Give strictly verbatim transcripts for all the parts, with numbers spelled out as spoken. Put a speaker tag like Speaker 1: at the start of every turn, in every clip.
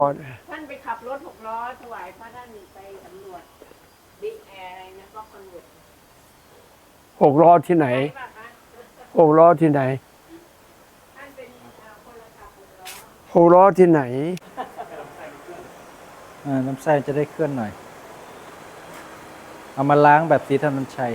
Speaker 1: ท่านไปขับรถหกล้อถวายพระท่านไปสำรวจบิ๊กแอร์อะไรนะก็คอนเวิร์ต
Speaker 2: หกล้อที่ไหนหกล้อที่ไหน
Speaker 1: ท่านเป็นคนละขับหกล้อ
Speaker 2: หกล้อที่ไหน
Speaker 3: น้ำไส้จะได้เคลื่อนหน่อยเอามาล้างแบบสีธนัญชัย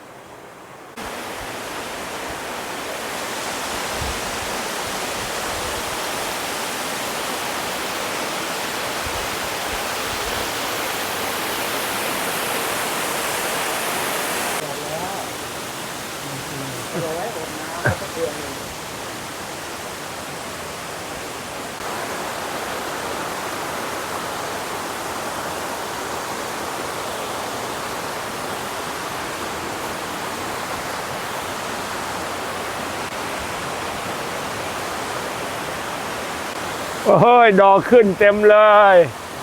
Speaker 2: เฮ้ยดอกขึ้นเต็มเลย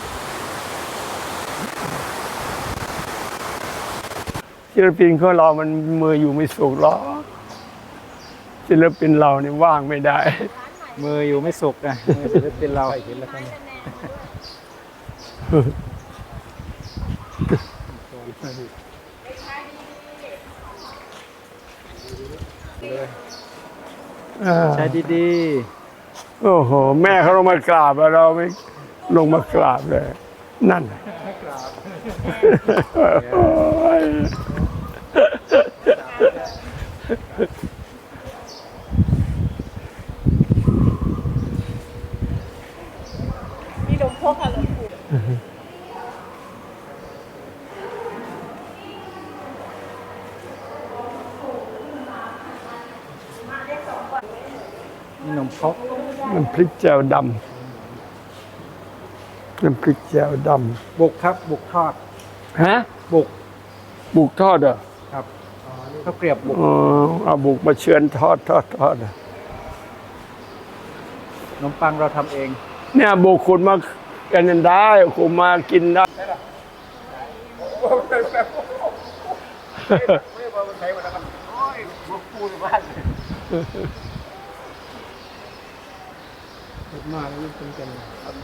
Speaker 2: ศิลปินของเรามันมืออยู่ไม่สุกหรอกศิลปินเรานี่ว่างไม่ได้
Speaker 3: มืออยู่ไม่สุกนะมือศิลปินเราเห็นแล้วครับใช้ดี
Speaker 2: ๆโอ้โหแม่เขาลงมากราบเราไม่ลงมากราบเลยนั่น
Speaker 1: มีหลวงพ่อค่ะหลวงปู่
Speaker 3: นี่นมพก
Speaker 2: น้ำพริกแจ่วดำน้ำพริกแจ่วด
Speaker 3: ำบุกครับบุกทอด
Speaker 2: ฮะ
Speaker 3: บุก
Speaker 2: บุกทอดเหรอ
Speaker 3: ครับข้าวเกรียบบุก
Speaker 2: อ๋อเอาบุกมาเชือนทอดทอดทอด
Speaker 3: ขนมปังเราทำเอง
Speaker 2: เนี่ยบุกขุดมากันได้ขุดมากินได้มาแล้วนี่เป็นกัน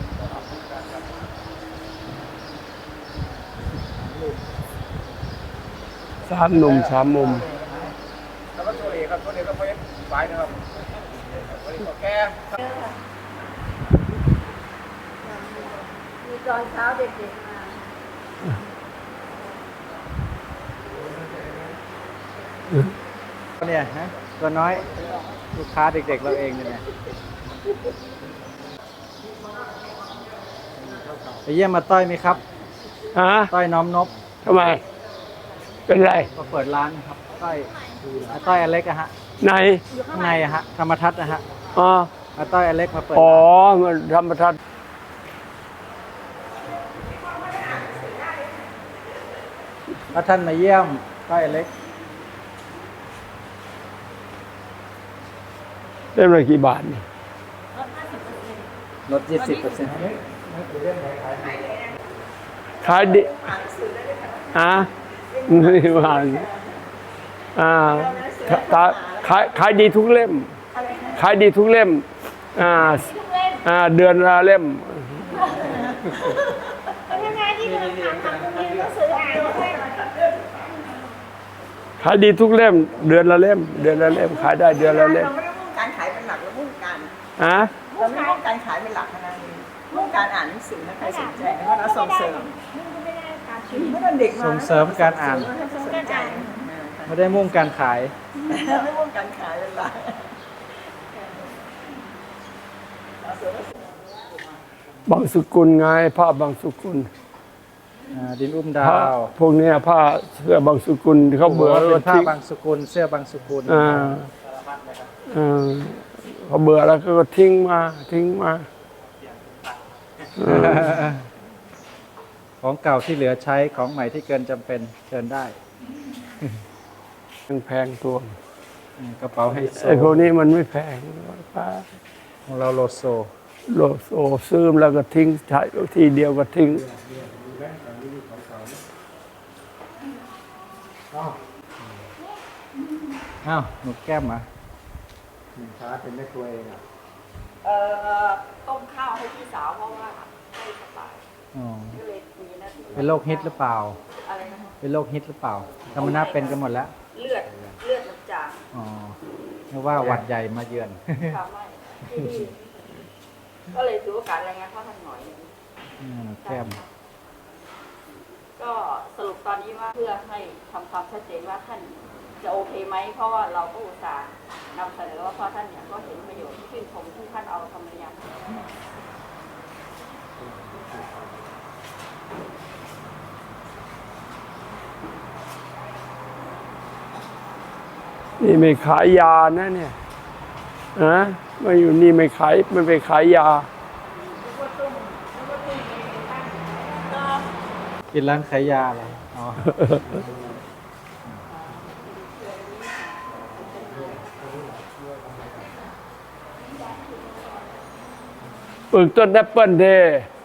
Speaker 2: สามหนุ่มสามมุม
Speaker 4: แล้วก็ตัวเอกครับตัวเอกก็ไปไปนะครับตัวเอกก็แก่
Speaker 1: มีตอนเช้าเด็กๆมา
Speaker 3: เนี่ยฮะตัวน้อยลูกค้าเด็กๆเราเองเนี่ยไปเยี่ยมมาต้อยไหมครับ
Speaker 2: ฮะ
Speaker 3: ต้อยน้อมนบ
Speaker 2: ทำไมเป็นไร
Speaker 3: ก็เปิดร้านครับต้อยต้อยอเล็กอะฮะ
Speaker 2: ใน
Speaker 3: ข้างในอะฮะธรรมทัศน์นะฮะ
Speaker 2: อ๋อ
Speaker 3: ต้อยอเล็กมาเปิด
Speaker 2: อ๋อธรรมทัศน์
Speaker 3: ถ้าท่านมาเยี่ยมต้อยอเล็ก
Speaker 2: เล่มละกี่บาทนี่
Speaker 3: ลดยี่สิบเปอร์เซ็นต์
Speaker 2: ขายดิอ่ะไม่ผ่านอ่าขายขายดีทุกเล่มขายดีทุกเล่มอ่าอ่าเดือนละเล่มขายดีทุกเล่มเดือนละเล่มเดือนละเล่มขายได้เดือนละเล่ม
Speaker 1: การขายเป็นหลักแล้วมุ่งการ
Speaker 2: ฮะ
Speaker 1: เราไม่มุ่งการขายเป็นหลักนะมุ่งการอ่านหนังสือนะใครสนใจแล้วก็เราส่งเสริมไม่ได้เด็กมา
Speaker 3: ส่งเสริมการอ่านไม่ได้มุ่งการขาย
Speaker 1: ไม่มุ่งการขายเป็นหลัก
Speaker 2: บางสุกุลไงผ้าบางสุกุล
Speaker 3: ดินอุ้มดาว
Speaker 2: พวกนี้ผ้าเสื้อบางสุกุลเขาเบื่อ
Speaker 3: เป็นผ้าบางสุกุลเสื้อบางสุกุล
Speaker 2: อ่าอ่าเขาเบื่อแล้วก็ทิ้งมาทิ้งมา
Speaker 3: ของเก่าที่เหลือใช้ของใหม่ที่เกินจำเป็นเชิญได้
Speaker 2: แพงตัว
Speaker 3: กระเป๋าให้โซ
Speaker 2: ไอ้พวกนี้มันไม่แพง
Speaker 3: ของเราโลโซ
Speaker 2: โลโซซื้อแล้วก็ทิ้งใช้ทีเดียวก็ทิ้ง
Speaker 3: อ้าวหนูแก้มมาช้าเป็นแม่ครัวเองอ่ะ
Speaker 1: เอ่อต้มข้าวให้พี่สาวเพราะว่า
Speaker 3: อ๋อ
Speaker 5: ก็เลยมีหน้าที่
Speaker 3: เป็นโรคฮิตหรือเปล่า
Speaker 5: อะไรนะคะ
Speaker 3: เป็นโรคฮิตหรือเปล่าธรรมนาเป็นกันหมดแล้ว
Speaker 5: เลือดเลือดมันจาง
Speaker 3: อ๋อนึกว่าหวัดใหญ่มาเยือน
Speaker 5: ค่ะไม่ที่นี่ก็เลยถือโอกาสรายงานพ่อท่านหน่อยหนึ่ง
Speaker 3: อืมแก้ม
Speaker 5: ก็สรุปตอนนี้ว่าเพื่อให้ทำความชัดเจนว่าท่านจะโอเคไหมเพราะว่าเราก็อุตส่าห์นำเสนอว่าพ่อท่านเนี่ยก็เห็นประโยชน์ที่ชื่นชมที่ท่านเอาธรรมยาน
Speaker 2: นี่ไม่ขายยานะเนี่ยนะมาอยู่นี่ไม่ขายไม่ไปขายยา
Speaker 3: กินร้านขายยาเหรออ๋อ
Speaker 2: ปลูกต้นแอปเปิ้ลเด้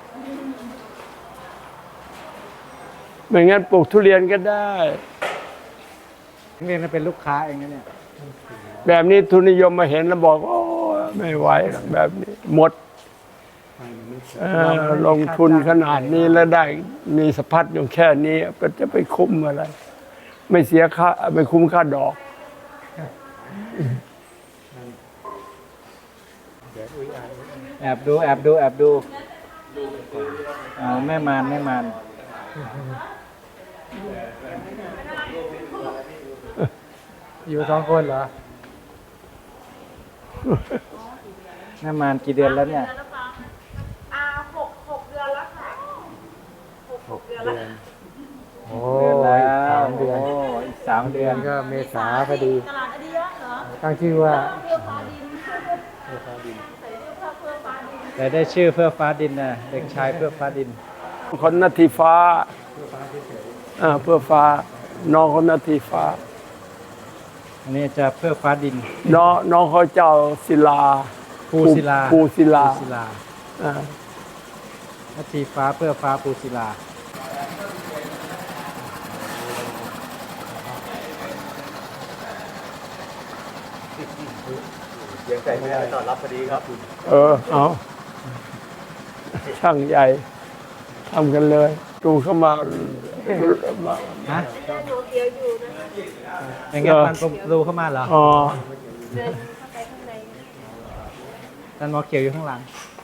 Speaker 2: ไม่งั้นปลูกทุเรียนก็ได้
Speaker 3: เรียนเป็นลูกค้าเองนะเนี่ย
Speaker 2: แบบนี้ทุนนิยมมาเห็นแล้วบอกโอ้ไม่ไหวหรอกแบบนี้หมดเอ่อลงทุนขนาดนี้แล้วได้มีสะพัดอยู่แค่นี้ก็จะไปคุ้มอะไร ไม่เสียค่าไม่คุ้มค่าดอก
Speaker 3: แอบดูแอบดูแอบดูอ๋อแม่มารแม่มารอยู่สองคนเหรอแม่มารกี่เดือนแล้วเนี่ย
Speaker 5: อ่าหกหกเดือนแล้วค่ะหกหกเดือนแล้ว
Speaker 3: โอ้ยสามเดือนโอ้อีกสามเดือนก็เมษาพอดี
Speaker 5: ตลาดอดียะเหรอ
Speaker 3: ตั้งชื่อว่า
Speaker 5: เพื่อฟ้าดินใส่เสื้อผ้าเพื่อฟ้าดิน
Speaker 3: แต่ได้ชื่อเพื่อฟ้าดินนะเด็กชายเพื่อฟ้าดิน
Speaker 2: คนนาทีฟ้าอ่าเพื่อฟ้า น้องคนนาทีฟ้า
Speaker 3: อันนี้จะเพื่อฟ้าดิน
Speaker 2: น้องน้องเขาเจ้าศิลา
Speaker 3: ภูศิลา
Speaker 2: ภูศิลา
Speaker 3: ภูศิลา
Speaker 2: อ่า
Speaker 3: นาทีฟ้าเพื่อฟ้าภูศิลา
Speaker 4: ยังใจไม่ได้ต้อนรับพอดีครับ
Speaker 2: เออเอาช่างใหญ่ทำกันเลยดูเข้ามามา
Speaker 3: ฮะ
Speaker 5: ดูเดียวอยู่นะ
Speaker 3: อย่างเงี้ยพันประตูเข้ามาเหรอ
Speaker 2: อ๋อ
Speaker 5: เดินเข้าไปข้างใน
Speaker 3: ท่านหมอเขียวอยู่ข้างหลัง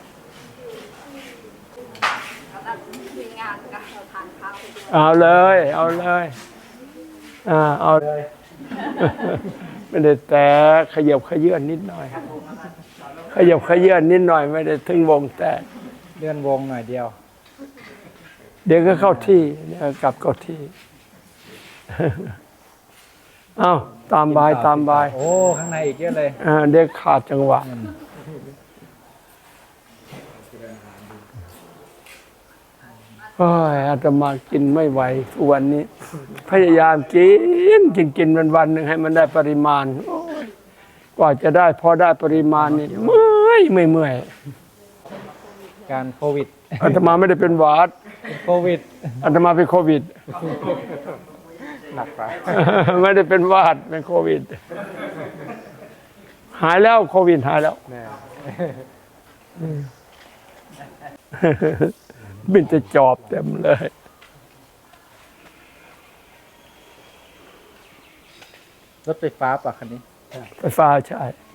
Speaker 5: แล้วก็มีงานกับเราทานข้าวไปด้วย
Speaker 2: เอาเลย เอาเลยอ่าเอาเลย ไม่ได้แต่ขยับขยื่นนิดหน่อย ขยับขยื่นนิดหน่อยไม่ได้ถึงวงแตก
Speaker 3: เลื่อนวงหน่อยเดียว
Speaker 2: เดี๋ยวก็เข้าที่เดี๋ยวกลับเข้าที่ เอาตามบายตามบาย
Speaker 3: โอ้ ข้างในอีกเยอะเลย
Speaker 2: อ่าเด็กขาดจังหวะโอ้ยอาตมากินไม่ไหวทุกวันนี้ พยายามกินกินกินวันวันหนึ่งให้มันได้ปริมาณโอ้ยกว่าจะได้พอได้ปริมาณนี่เมื่อยไม่เมื่อย
Speaker 3: การโควิด
Speaker 2: อาตมาไม่ได้เป็นหวัด
Speaker 3: โควิด
Speaker 2: อาตมาเป็นโควิด
Speaker 3: หนักไป
Speaker 2: ไม่ได้เป็นหวัดเป็นโควิด หายแล้วโควิดหายแล้ว
Speaker 3: แน่
Speaker 2: บินจะจอบเต็มเลย
Speaker 3: รถไฟฟ้าป่ะคันนี้
Speaker 2: ไฟฟ้าใช่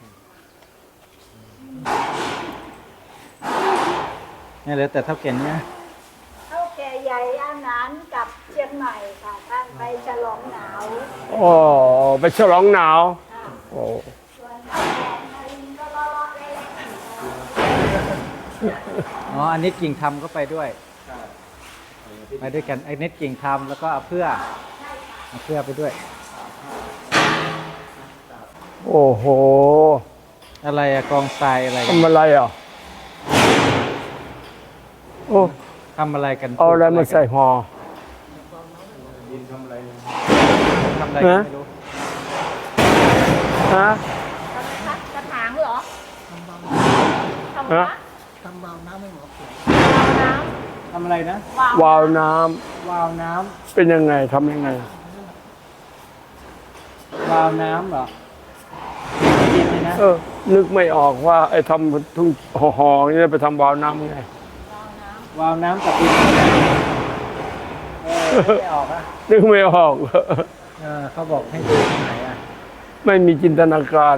Speaker 3: เนี่ยเหลือแต่เท่าเก่งเนี่ย
Speaker 6: เท่าแก่ใหญ่อาหารกับเชียงใหม่ค่ะท่านไปฉลองหนาว
Speaker 2: โอ้ไปฉลองหนาวโอ้
Speaker 6: ส่วนเท่าแก่นารินก็เลาะๆเล่น
Speaker 3: อ๋อ อันนี้กิ่งทำก็ไปด้วย ไปด้วยกันไอ้เน็ตกิ่งทำแล้วก็เอาเพื่อเอาเพื่อไปด้วย
Speaker 2: โอ้โห
Speaker 3: อะไรอะกองทรายอะไรกัน
Speaker 2: ทำอะไรอ่ะโอ้
Speaker 3: ทำอะไรกัน
Speaker 2: เอาอะไรมาใส่ห่อ
Speaker 3: ทำอะไรกันไม่รู้
Speaker 2: ฮะ
Speaker 5: กระถางเหรอทำ
Speaker 2: ฮะ
Speaker 5: วะ
Speaker 3: ทำอะไรนะ
Speaker 2: วาล์วน้
Speaker 3: วาล์วน้
Speaker 2: ำเป็นยังไงทำยังไง
Speaker 3: ำวาล์วน้ำเหรอกินเลยนะ
Speaker 2: เออ นึกไม่ออกว่า ไอ้ทำทุ่งห่อๆนี่ไปทำวาล์วน้ำไง
Speaker 5: วาล์วน้ำ
Speaker 3: วาล์วน้ำกับดินเออไม่ออกอ่ะ
Speaker 2: นึกไม่ออก
Speaker 3: เออเขาบอกให้ดูตรงไหนอ่ะ
Speaker 2: ไม่มีจินตนาการ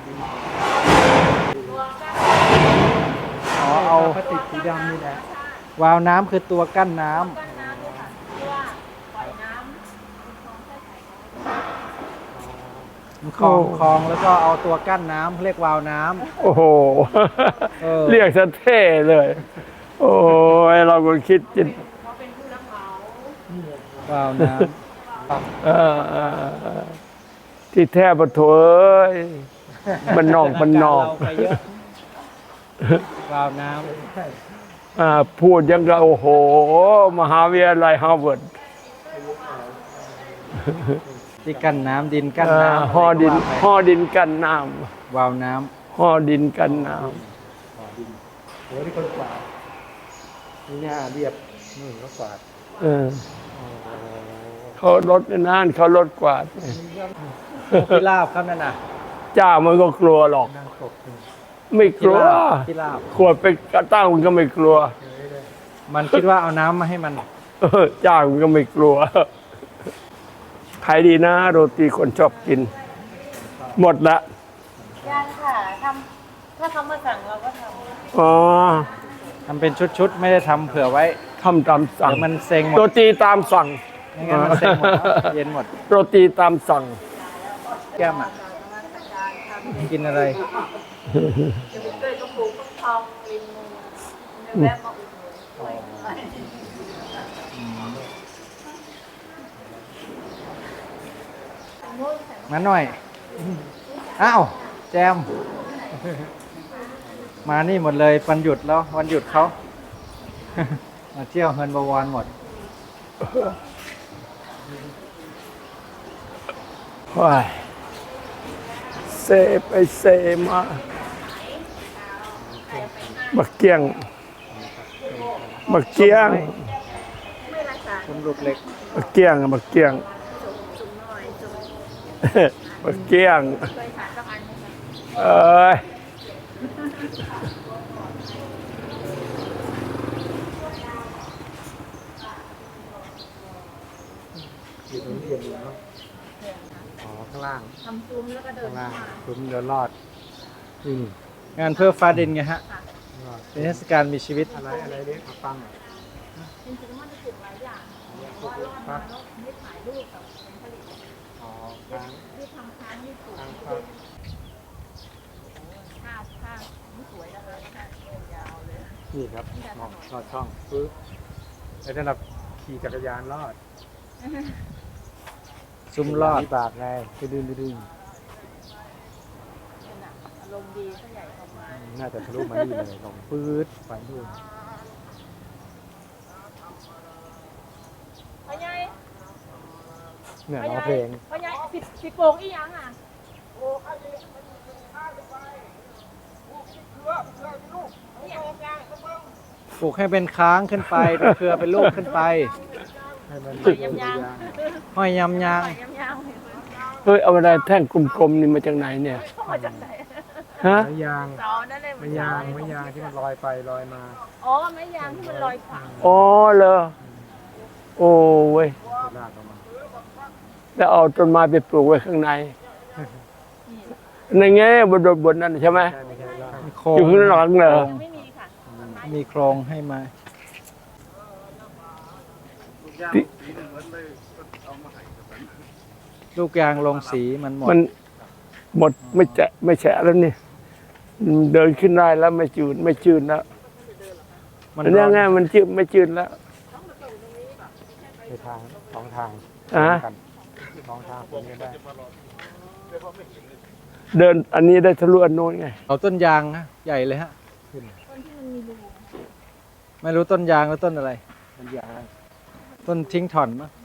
Speaker 3: อ๋อเอาพลาสติกสีดำนี่แหละวาล์วน้ำคือตัวกั้นน้ำมันคลองคลองแล้วก็เอาตัวกั้นน้ำเรียกวาล์วน้ำ
Speaker 2: โอ้โห
Speaker 3: เออ
Speaker 2: เรียกซะเท่เลย โอ้ยเราก็คิดจิต
Speaker 3: วาล์วน้
Speaker 2: เออเออเออที่แท้ปะโถเอ้ย
Speaker 3: ำ
Speaker 2: มันนอกมันนอก
Speaker 3: เราไปเยอะวาล์วน้
Speaker 2: อ่าพูดยังก็โอ้โห มหาวิทยาลัยฮาร์วาร์ด
Speaker 3: ำที่กั้นน้ำดินกั้น
Speaker 2: อ่า
Speaker 3: น้ำ
Speaker 2: ห่อดิน
Speaker 3: อะไรก็ว่าไป
Speaker 2: ห่อดินกันน้
Speaker 3: วาล์วน้
Speaker 2: ำห่อดินกันน้
Speaker 3: ำโอ้ที่คนกวาดนี่หน้าเรียบนู่นก็กวาด
Speaker 2: ำเออเขารถนั่นเขารถกวาด
Speaker 3: ที่ลาบครับนั่นน่ะ
Speaker 2: จ้ามันก็กลัวหรอก
Speaker 3: นั่งตก
Speaker 2: ไม่ก
Speaker 3: ที่
Speaker 2: ลัว
Speaker 3: ลาบที่ลาบ
Speaker 2: ขวดไปกระตั้งมันก็ไม่กลัว
Speaker 3: มันคิดว่าเอาน้ำมาให้มัน
Speaker 2: เออจ้างมันก็ไม่กลัวขายดีนะโรตีคนชอบกิน หมดละ
Speaker 1: ยังค่ะทำถ้าเขามาสั่งเราก็ทำ
Speaker 2: อ๋อ
Speaker 3: ทำเป็นชุดๆ ไม่ได้ทำเผื่อไว้
Speaker 2: ทำตามสั่ง
Speaker 3: เดี๋ยวมันเซ็งหมด
Speaker 2: โรตีตามสั่ง
Speaker 3: ไม่งั้นมันเซ็งหมดแล้วเย็นหมด
Speaker 2: โรตีตามสั่ง
Speaker 3: แก้มอ่ะ กินอะไร
Speaker 5: จะไปเกยก็ปลูกฟักทองริมมือแวะมาอุดหนุนด้วย
Speaker 3: มาหน่อย อ้าว แจม มานี่หมดเลยวันหยุดแล้ว วันหยุดเขา มาเที่ยวเฮินบวรหมด
Speaker 2: ว้ายเซไปเซมาบักเกียงบักเกียง
Speaker 3: คุณลูกเล็ก
Speaker 2: บักเกียงบักเกียงบักเกียงเอ้ย
Speaker 3: อยู่ตรงนี้เย็นอยู่เนาะอ๋อ ข้างล่าง
Speaker 5: ทำซุ้มแล้วก็เดิ
Speaker 3: ข้าน งล่างคุ้มเดินรอดอืมงานเพื่อฟ้าดินไงฮะเป็นเทศกาลมีชีวิต อะไรอะไรเรียกฟัง
Speaker 5: จริงๆมันจะปลูกหลายอย่างเพราะว่ารอดมาแล้วไม่ถ่ายรูปกับผลผลิต
Speaker 3: อ๋อค้าง
Speaker 5: ที่ทำค้างที่ปลูก
Speaker 3: ค้างครับ
Speaker 5: ผ้าผ้าไม่สวยนะคะผ้ายาวเลย
Speaker 3: นี่ครับมองลอดช่องปึ๊บแล้วถ้าเราขี่จักรยานรอด ซุ้มรอดบากไงไปดึงไปดึง
Speaker 5: อารมณ์ดีก็ใหญ่ประมาณ
Speaker 3: น่าจะทะลุมานี่เลยลงปื๊ดไปดูน
Speaker 7: พ่อใหญ่
Speaker 3: เนี่ยร้องเพลง
Speaker 7: พ่อใหญ่ปิดปิดโป่งอีหยังอ่ะ
Speaker 3: ปลูกให้เป็นค้างขึ้นไปเป็นเครือเป็นลูกขึ้นไปให้มัน
Speaker 7: ยำยาง
Speaker 3: ห้อยยำยาง
Speaker 7: ยำยาง
Speaker 2: เฮ้ยเอาอะไรแท่งกลมๆนี่มาจากไหนเนี่ย
Speaker 7: มาจากไหน
Speaker 2: ฮะ
Speaker 3: ไม้ยาง
Speaker 7: เสานั่นเลย
Speaker 3: ไม้ยางไม้ยางที่มันลอยไปลอยมา
Speaker 7: อ๋อไม้ยางที่มันลอยขวาง
Speaker 2: อ๋อเหรอโอ้เว้ย
Speaker 3: ลากออกมา
Speaker 2: แล้วเอาต้นไม้ไปปลูกไว้ข้างในในแง่บนบนนั้นใช่ไหม
Speaker 3: ใช่ไม่ใช่ลากมีโค
Speaker 2: อยู่ข้างหลังเหรอ
Speaker 7: ไม่มีค่ะ
Speaker 3: มีโครงให้มา ลูกยางลงสีมันหมด
Speaker 2: มันหมดไม่แจะไม่แฉะแล้วนี่เดินขึ้นได้แล้วไม่จืดไม่จืดแล้ว
Speaker 3: มัน
Speaker 2: อันนี้ไงมันจืดไม่จืดแล้ว
Speaker 3: ในทางสองทาง
Speaker 2: อ่ะ
Speaker 3: กันสองทางคนนี้ได้
Speaker 2: เดินอันนี้ได้ทะลุอันโน้นไง
Speaker 3: เอาต้นยางฮะใหญ่เลยฮะไม่รู้ต้นยางหรือต้นอะไร
Speaker 4: มันยาง
Speaker 3: ต้นทิ้งถ่อนมั้ง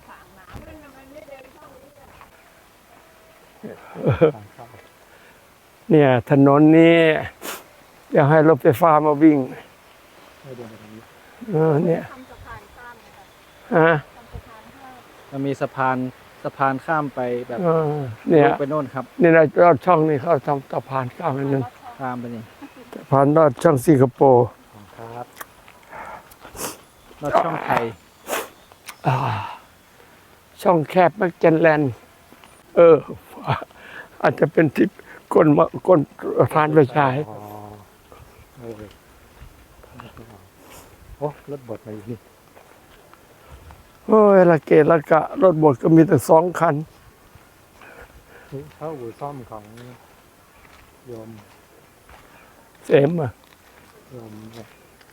Speaker 2: เนี่ยถนนนี้อยากให้รถไฟฟ้ามาวิ่ง
Speaker 3: ให้เดินไปทางนี้
Speaker 2: เออเนี่ยฮะ
Speaker 3: มันมีสะพานสะพานข้ามไปแบบ
Speaker 2: เออเนี่ย
Speaker 3: ลูกไปโน่นครับ
Speaker 2: นี่นะรอดช่องนี่เขาทำสะพานข้ามอันนึง
Speaker 3: ข้ามไปนี่
Speaker 2: สะพานรอดช่องสิงคโปร์
Speaker 3: ครับรถช่องไทย
Speaker 2: อ่าช่องแคบแมกเจนแลนด์เออ อาจจะเป็นที่ก้นมาก้นทานไปฉาย
Speaker 3: อ๋อเออโอ้รถบดมาอยู่นี่
Speaker 2: โอ้ยละเกะละกะ รถบดก็มีแต่สองคัน
Speaker 3: นี่เข้าอู่ซ่อมของโยม
Speaker 2: เสมอ่ะ
Speaker 3: โยมเนี่ย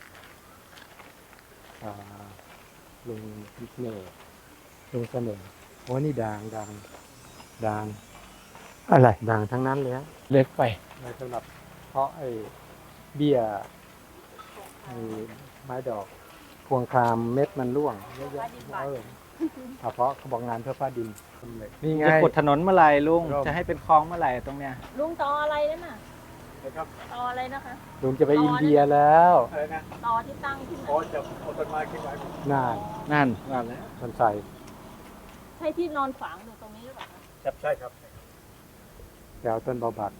Speaker 3: อ่าลุงเน่ห์ลุงเสน่ห์โอ้นี่ดังดังดัง
Speaker 2: อะไร
Speaker 3: ดังทั้งนั้นเลยฮะ
Speaker 2: เล็กไป
Speaker 3: ไว้สำหรับเพราะไอ้เบี้ยไอ้ไม้ดอก พวงครามเม็ดมันร่วงเยอะแยะเออเอาเพราะเขาบอกงานเพื่อฟ้าดินนี่ไงจะขุดถนนเมื่อไหร่ลุงจะให้เป็นคลองเมื่อไหร่ตรงเนี้ย
Speaker 7: ลุงต่ออะไรนั่นน่ะ
Speaker 4: นะครับ
Speaker 7: ต่ออะไรนะคะ
Speaker 3: ลุงจะไปอินเดียแล้ว
Speaker 4: อะไรนะ
Speaker 7: ต่อที่ตั้งขึ้น
Speaker 4: โอ้
Speaker 7: มา
Speaker 4: จะเอาต้นไม้ขึ้นไว้
Speaker 3: นั่นนั่น
Speaker 4: งานแล้ว
Speaker 3: มันใส่
Speaker 7: ใช่ที่นอนฝังอยู่ตรงนี้หรือเปล่าคะ
Speaker 4: ครับใช่ครับ
Speaker 3: แถวต้นบาบัก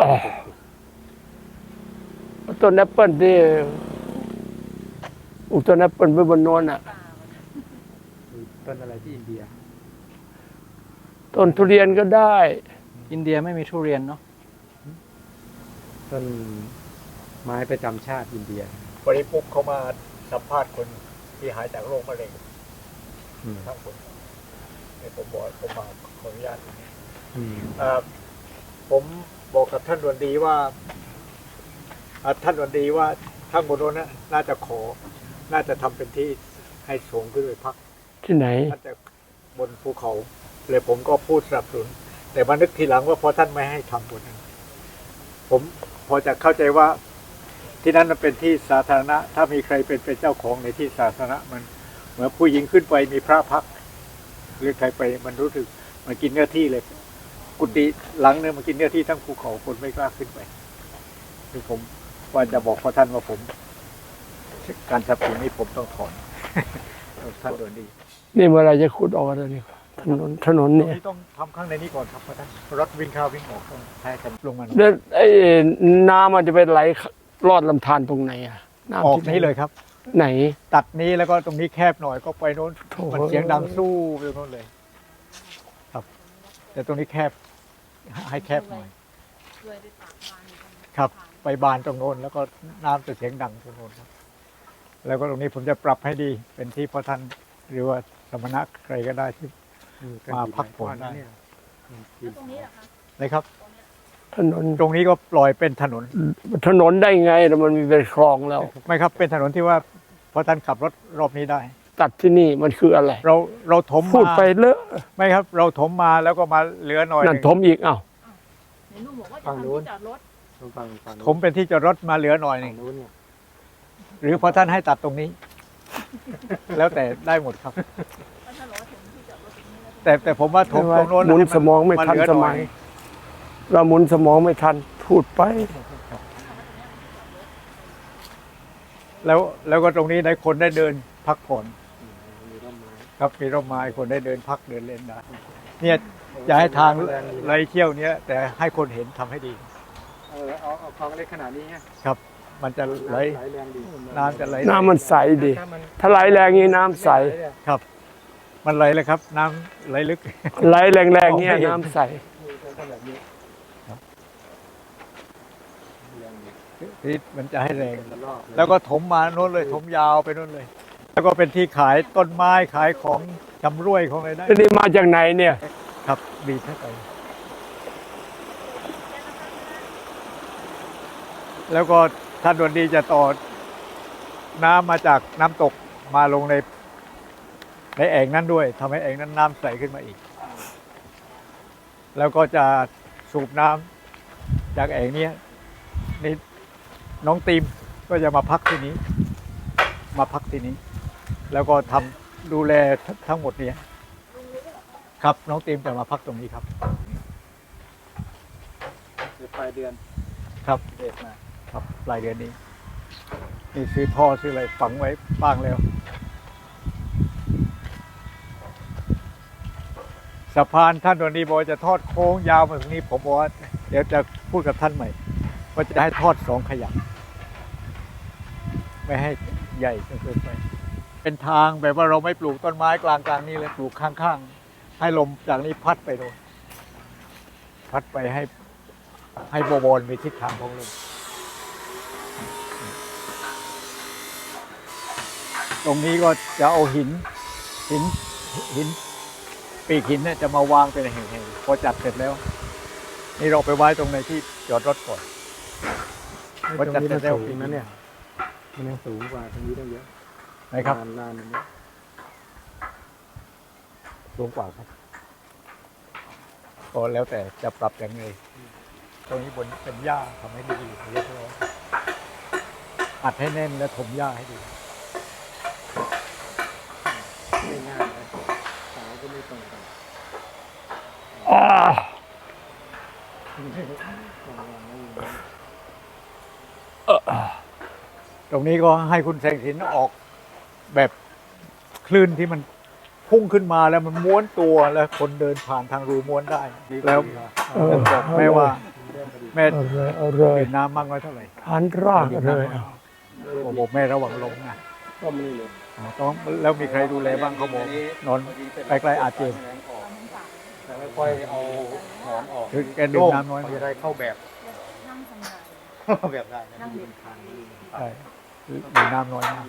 Speaker 2: ต้นแอปเปิลที่ปลูกต้นแอปเปิลไว้บนโน้นอ่ะ
Speaker 3: ต้นอะไรที่อินเดีย
Speaker 2: ต้นทุเรียนก็ได้
Speaker 3: อินเดียไม่มีทุเรียนเนาะต้นไม้ประจำชาติอินเดีย
Speaker 4: วันนี้ปุ๊บเขามาสัมภาษณ์คนที่หายจากโรคมะเร็ง
Speaker 3: อืม
Speaker 4: ทั้งคนในผมบอกผมมาขออนุญาตตรงนี้
Speaker 3: อืม
Speaker 4: อ่าผมบอกกับท่านดวนดีว่าอ่าท่านดวนดีว่าข้างบนโน้นนะน่าจะขอ น่าจะทำเป็นที่ให้สูงขึ้นไปพัก
Speaker 2: ที่ไหน
Speaker 4: น่าจะบนภูเขาเลยผมก็พูดสนับสนุนแต่มานึกทีหลังว่าพอท่านไม่ให้ทำบนนั้น ผมพอจะเข้าใจว่าที่นั้นมันเป็นที่สาธารณะ ถ้ามีใครเป็นเป็นเจ้าของในที่สาธารณะมันเหมือนผู้หญิงขึ้นไปมีพระพักหรือใครไปมันรู้สึกมันกินเนื้อที่เลย กุฏิหลังเนี่ยมันกินเนื้อที่ทั้งภูเขาคนไม่กล้าขึ้นไปคือผมว่าจะบอกพอท่านว่าผม การสนับสนุนนี้ผมต้องถอน ท่านโดนดี
Speaker 2: นี่เมื่อไหรจะขุดออกอะไรนี่ถนนถนน
Speaker 4: ตรง
Speaker 2: เนี่ย
Speaker 4: นี้ต้องทำข้างในนี้ก่อนครับพระท่านรถวิ่งเข้าวิ่งออกต้องให้กันลงมาหน่อย
Speaker 2: แล้วไอ้น้ำมันจะไปไหลลอดลำธารตรงไหนอ่ะน้ำ
Speaker 4: ออก
Speaker 2: ที่
Speaker 4: นี้เลยครับ
Speaker 2: ไหน
Speaker 4: ตัดนี้แล้วก็ตรงนี้แคบหน่อยก็ไปโน้น
Speaker 2: โถ่
Speaker 4: มันเสียงดังสู้ไปโน้นเลย ครับ แต่ตรงนี้แคบ ให้แคบหน่อย
Speaker 7: ด้วยด้วยปากบานอยู่ตรงนี้
Speaker 4: ครับ ไปบานตรงโน้นแล้วก็น้ำจะเสียงดังตรงโน้นครับ แล้วก็ตรงนี้ผมจะปรับให้ดี เป็นที่พระท่านหรือว่าสมณะใครก็ได้ที่ มาพักผ่อนได้
Speaker 7: แล้วตรงนี้เหรอคะ
Speaker 4: นะครับ
Speaker 2: ถนน
Speaker 4: ตรงนี้ก็ปล่อยเป็นถนน
Speaker 2: ถนนได้ไงแล้วมันมีเป็นคลองแล้ว
Speaker 4: ไม่ครับเป็นถนนที่ว่าพระท่านขับรถรอบนี้ได้
Speaker 2: ตัดที่นี่มันคืออะไร
Speaker 4: เราเราถม
Speaker 2: พูด
Speaker 4: มา
Speaker 2: ไปเลอะ
Speaker 4: ไม่ครับ เราถมมาแล้วก็มาเหลือหน่อยห
Speaker 2: นั่น
Speaker 4: นึ่ง
Speaker 2: ถมอีกอ้าว
Speaker 7: ไหนลุงบอกว่าจะทำที่จอดรถ
Speaker 3: ฟังฟัง
Speaker 4: ถมเป็นที่จอดรถมาเหลือหน่อยหนึ่ง
Speaker 3: นู้นเนี่ย
Speaker 4: หรือพอท่านให้ตัดตรงนี้ แล้วแต่ได้หมดครับ
Speaker 7: ก็ถ้าล้อถึงที่จอดรถตรงนี้แล้ว
Speaker 4: แต่แต่ผมว่าถมตรงโน้น
Speaker 2: หมุนสมองไม่ทัน
Speaker 4: เหลื
Speaker 2: ส
Speaker 4: ห
Speaker 2: มัย เราหมุนสมองไม่ทันพูดไป
Speaker 4: แล้วแล้วก็ตรงนี้ได้คนได้เดินพักผ่อน
Speaker 3: มีร่มไม้
Speaker 4: ครับมีร่มไม้คนได้เดินพักเดินเล่นได้เนี่ยจะให้ทางไหลเที่ยวเนี้ยแต่ให้คนเห็นทำให้ดี
Speaker 3: เออเอาเอาคลองเล็กขนาดนี้ฮะ
Speaker 4: ครับ มันจะไหล
Speaker 3: ไหลแรงดี
Speaker 4: น้ำจะไหล
Speaker 2: น้ำมันใสดี
Speaker 3: ถ้ามัน
Speaker 2: ถ้าไหลแรงนี้น้ำใส
Speaker 4: ครับ มันไหลเลยครับ น้ำไหลลึก
Speaker 2: ไหลแรงๆเนี้ยน้ำใส
Speaker 3: แบบนี้
Speaker 4: ที่มันจะให้แรง
Speaker 3: รอบเลย
Speaker 4: แล้วก็ถมมาโน้นเลยถมยาวไปโน้นเลย แล้วก็เป็นที่ขายต้นไม้ขายของจำรวยของอะไรได้
Speaker 2: แล้วนี่มาจากไหนเนี่ย
Speaker 4: ครับบีบให้ไปแล้วก็ท่านดวนดีจะต่อน้ำมาจากน้ำตกมาลงในในแอ่งนั้นด้วยทำให้แอ่งนั้นน้ำใสขึ้นมาอีก แล้วก็จะสูบน้ำจากแอ่งเนี้ยนี่น้องตีมก็จะมาพักที่นี้ มาพักที่นี้ แล้วก็ทำดูแลทั้งหมดเนี้ยครับน้องตีมจะมาพักตรงนี้ครับ
Speaker 3: เดี๋ยวปลายเดือน
Speaker 4: ครับ
Speaker 3: เด็ดมา
Speaker 4: ครับปลายเดือนนี้ นี่ซื้อท่อซื้ออะไรฝังไว้บ้างแล้วสะพานท่านวันนี้บอกว่าจะทอดโค้งยาวมาตรงนี้ผมบอกว่าเดี๋ยวจะพูดกับท่านใหม่ว่าจะให้ทอดสองขยักไม่ให้ใหญ่จนเกินไปไอเป็นทางแบบว่าเราไม่ปลูกต้นไม้กลางกลางๆนี่เลยปลูกข้างๆให้ลมจากนี้พัดไปโดนพัดไปให้ให้บวรมีทิศทางของลมตรงนี้ก็จะเอาหินหินหินปีกหินเนี่ยจะมาวางเป็นแห่งๆพอจัดเสร็จแล้ว นี่เราไปไว้ตรงในที่จอดรถก่อน
Speaker 3: ตรงนี้มันสูงนะเนี่ยมันยังสูงกว่าตรงนี้ได้เยอะ
Speaker 4: นะครับ
Speaker 3: ลานลานอันนี้สูงกว่าครับ
Speaker 4: ก็แล้วแต่จะปรับอย่างไรตรงนี้บนเป็นหญ้าทำให้ดีเรียบร้อยอัดให้แน่นและถมหญ้าให้ดี
Speaker 3: ไม่ง่ายเลยเสาก็ไม่ตรงกัน
Speaker 2: อ่า
Speaker 4: ตรงนี้ก็ให้คุณแสงสินออกแบบคลื่นที่มันพุ่งขึ้นมาแล้วมันม้วนตัวแล้วคนเดินผ่านทางรูม้วนได้แล้วบอกแม่ว่าแม่
Speaker 2: เอาเลยเอาเลย
Speaker 4: เห็นน้ำมากน้อยเท่าไหร่
Speaker 2: ทานรากเลยเอา
Speaker 4: ผมบอกแม่ระวังลงนะ
Speaker 3: ก็ไม่เลย
Speaker 4: อ๋อต้องแล้วมีใครดูแลบ้างเขาบอกนอนใกล้ๆอาเจียน
Speaker 3: แต่ไม่ค่อยเอาหอมออก
Speaker 4: คือแกดื่มน้ำน้อย
Speaker 3: จะได้เข้าแบบ
Speaker 7: นั่งทำงาน
Speaker 3: เข้าแบบได้นะ
Speaker 7: นั่งเรียน
Speaker 4: ใช่ดื่มน้ำน้อยมาก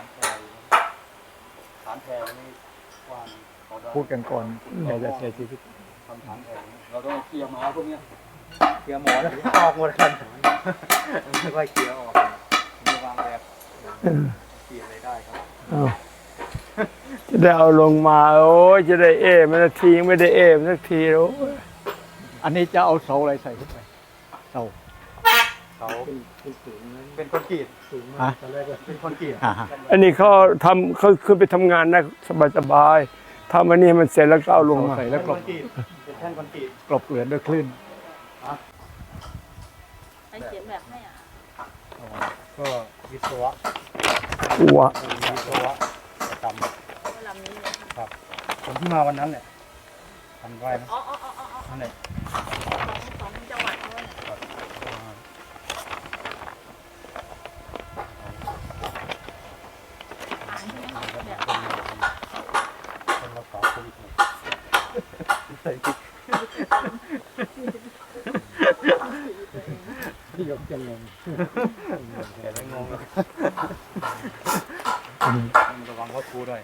Speaker 3: ฐานแพรนี่กว้าง
Speaker 4: พูดกันก่อนแกจะเสียชีวิต
Speaker 3: ทำฐานแพรเราต้องเคลียร์ไม้พวกเนี้ยเคลียร์หมอนออกหมดกันไม่ค่อยเคลียร์ออกผมจะวางแบบเคลียร์อะไรได้ครับ
Speaker 2: เอาจะได้เอาลงมาโอ้ยจะได้เอมันสักทียังไม่ได้เอมันสักทีโอ้ย
Speaker 4: อันนี้จะเอาเสาอะไรใส่ขึ้นไปเสา
Speaker 3: เขาเป็นสูงเป็นคอนกรีตสูงมากตอนแรกก็เป็นคอนกรีต
Speaker 4: อ่าฮะ
Speaker 2: อันนี้เขาทำเขาขึ้นไปทำงานนะสบายๆทำอันนี้ให้มันเสร็จแล้วก็เอาลงมา
Speaker 4: ใส่แล้วกลบ
Speaker 3: เป็นแท่นคอนกรีต
Speaker 4: กลบเกลื่อนด้วยคลื่น
Speaker 7: ใครเขียนแบบให้อ่ะ
Speaker 3: ก็วิศวะ
Speaker 2: หัว
Speaker 3: วิศวะทำ
Speaker 7: เวลานี้เลย
Speaker 3: ครับผมที่มาวันนั้นเนี่ยทำไว้นะ
Speaker 7: อ๋ออ๋ออ๋ออ๋อ
Speaker 3: นั่นแหละ
Speaker 7: ของของจังหวัดเขาเนี่ยอ่านใช่ไหมคะแบบ
Speaker 3: เป็นรักษาโควิดที่ยกจะงงแต่ไม่งงเลยระวังว่าครูด้วย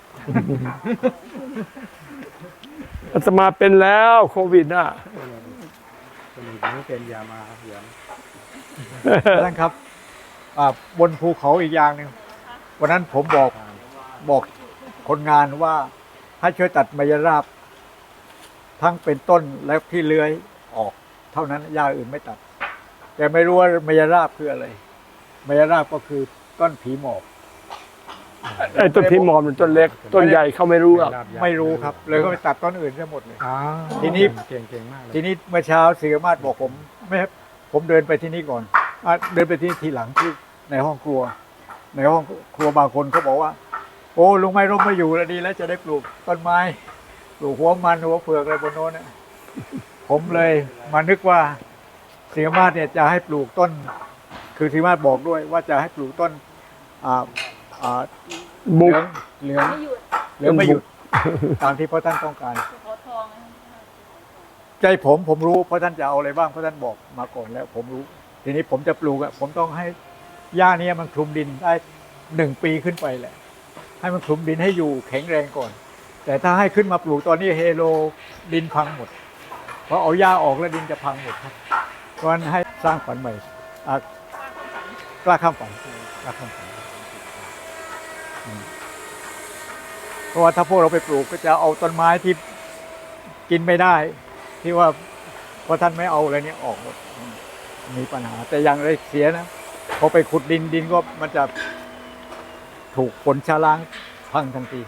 Speaker 2: อาตมาเป็นแล้วโควิดน่ะ
Speaker 3: คนอื่นไม่เป็นยามาเหยียง
Speaker 4: ท่านครับอ่าบนภูเขาอีกอย่างหนึ่งวันนั้นผมบอกบอกคนงานว่าให้ช่วยตัดไมยราบ ทั้งเป็นต้นและที่เลื้อยออก เท่านั้นหญ้าอื่นไม่ตัด แต่ไม่รู้ว่าไมยราบคืออะไรไมยราบก็คือต้นผีหมอบ
Speaker 2: ไอ้ต้นพิมอมมันต้นเล็ก ต้นใหญ่เขาไม่รู้หรอก
Speaker 4: ไม่รู้ครับ เลยก็ไปตัดต้นอื่นซะหมดเลย
Speaker 3: อ่า
Speaker 4: ทีนี้
Speaker 3: เก่งเก่งมากเลย
Speaker 4: ทีนี้เมื่อเช้าศิรมาศบอกผมไม่ครับผมเดินไปที่นี่ก่อนอ่ะเดินไปที่ทีหลังที่ในห้องครัว ในห้องครัวบางคนเขาบอกว่า โอ้ลุงไม่ร่มไม่อยู่แล้วดีแล้วจะได้ปลูกต้นไม้ปลูกหัวมันหัวเผือกอะไรบนโน้นเนี่ยผมเลยมานึกว่าศิรมาศเนี่ยจะให้ปลูกต้น คือศิรมาศบอกด้วยว่าจะให้ปลูกต้นอ่าอ่าเห
Speaker 2: บุ
Speaker 4: ลื
Speaker 2: ก
Speaker 4: องเหลือง
Speaker 7: ไม่หยุด
Speaker 4: เหลืองไม่หยุดตามที่พระท่านต้องการ
Speaker 7: ขอทองนะ
Speaker 4: ใจผมผมรู้เพราะท่านจะเอาอะไรบ้างเพราะท่านบอกมาก่อนแล้ว ผมรู้ ทีนี้ผมจะปลูกอะผมต้องให้หญ้านี้มันคลุมดินได้หนึ่งปีขึ้นไปแหละ ให้มันคลุมดินให้อยู่แข็งแรงก่อน แต่ถ้าให้ขึ้นมาปลูกตอนนี้เฮโลดินพังหมดเพราะเอาหญ้าออกแล้วดินจะพังหมดครับเพราะฉะนั้นให้สร้างฝันใหม่อ่ะกล้าข้ามฝันกล้าข้ามฝันอืมเพราะว่าถ้าพวกเราไปปลูกก็จะเอาต้นไม้ที่กินไม่ได้ ที่ว่าพอท่านไม่เอาอะไรเนี้ยออกหมดมีปัญหา แต่อย่างไรเสียนะพอไปขุดดินดินก็มันจะถูกฝนชะล้างพังทันที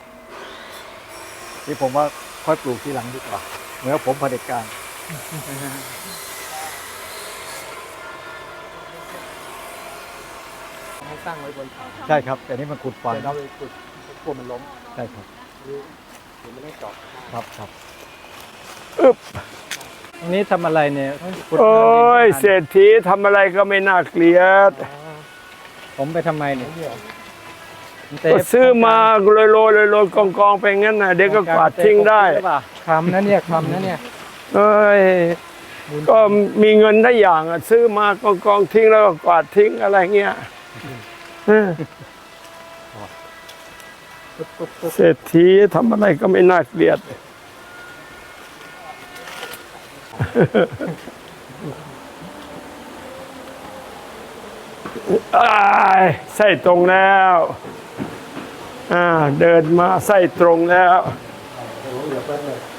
Speaker 4: ที่ผมว่าค่อยปลูกทีหลังดีกว่าเหมือนผมเผด็จการ
Speaker 3: ให้ตั้งไว้บนเขา
Speaker 4: ใช่ครับ แต่นี่มันขุดฝัง
Speaker 3: แต่เราไปขุดกลัวมันล้ม
Speaker 4: ใช่ครับ
Speaker 3: เดี๋ยวมันต้องเจาะ
Speaker 4: ครับครับ
Speaker 3: ตรงนี้ทำอะไรเนี่ยขุด
Speaker 2: โอ้ย
Speaker 3: น้ำดิน
Speaker 2: เศรษฐีทำอะไรก็ไม่น่าเกลียด
Speaker 3: ผมไปทำไมเนี่ย
Speaker 2: ทก็ซื้อมาโรยโรยโรยโรยกองกองไปงั้นนะเด็กก็กวาดทิ้งได้
Speaker 3: คำนะเนี่ยคำนะเนี่ย
Speaker 2: เอ้ยก็มีเงินได้อย่างอะซื้อมากองกองทิ้งแล้วก็กวาดทิ้งอะไรเงี้ยเออเศรษฐีทำอะไรก็ไม่น่าเกลียดอ้ายไส้ตรงแล้วอ่าเดินมาไส้ตรงแล้ว
Speaker 3: เดี๋ยวแป๊บนึง